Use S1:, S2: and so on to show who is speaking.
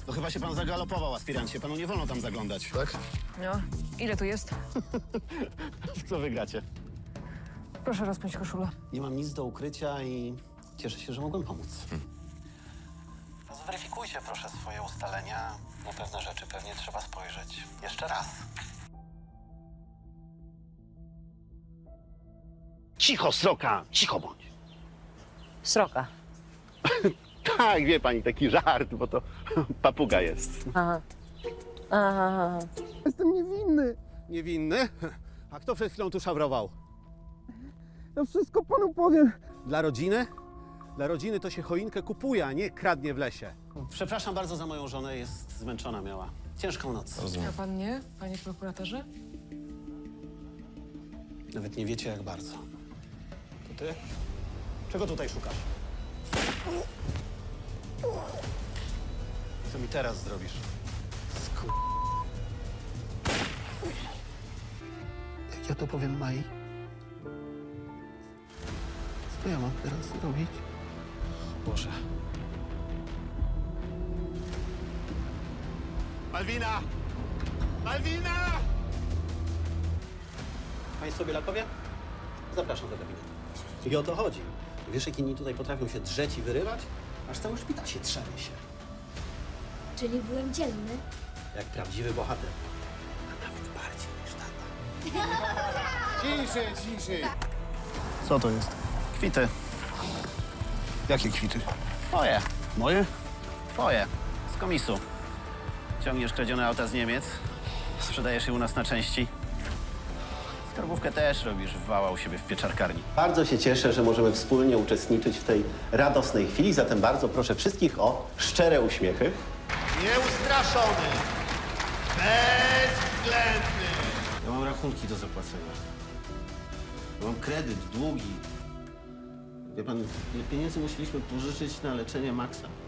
S1: To chyba się pan zagalopował, aspirancie. Panu nie wolno tam zaglądać. Tak?
S2: No, ile tu jest?
S1: Co wygracie?
S2: Proszę rozpiąć koszulę.
S1: Nie mam nic do ukrycia i cieszę się, że mogłem pomóc. Zweryfikujcie proszę swoje ustalenia. Na pewne rzeczy pewnie trzeba spojrzeć jeszcze raz. Cicho, sroka! Cicho bądź!
S3: Sroka.
S1: Tak, wie pani, taki żart, bo to papuga jest.
S3: Aha. Aha.
S1: Jestem niewinny. Niewinny? A kto przed chwilą tu szabrował?
S4: Ja wszystko panu powiem.
S1: Dla rodziny? Dla rodziny to się choinkę kupuje, a nie kradnie w lesie. Przepraszam bardzo za moją żonę, jest zmęczona, miała ciężką noc.
S2: A pan nie, panie prokuratorze?
S1: Nawet nie wiecie, jak bardzo. To ty? Czego tutaj szukasz? Co mi teraz zrobisz? Jak ja to powiem Mai? Co ja mam teraz zrobić? Boże. Malwina! Malwina! Państwo Bielakowie? Zapraszam do gabinetu. I o to chodzi. Wiesz, jak inni tutaj potrafią się drzeć i wyrywać? Aż cały szpital się trzęsie.
S5: Czyli byłem dzielny.
S1: Jak prawdziwy bohater. A nawet bardziej niż tata.
S4: Ciszej.
S1: Co to jest? Kwity.
S4: Jakie kwity?
S1: Twoje. Moje? Twoje. Z komisu. Ciągniesz kradzione auta z Niemiec, sprzedajesz je u nas na części. Skarbówkę też robisz wała u siebie w pieczarkarni. Bardzo się cieszę, że możemy wspólnie uczestniczyć w tej radosnej chwili, zatem bardzo proszę wszystkich o szczere uśmiechy.
S6: Nieustraszony, bezwzględny.
S1: Ja mam rachunki do zapłacenia. Ja mam kredyt, długi. Wie pan, ile pieniędzy musieliśmy pożyczyć na leczenie Maxa?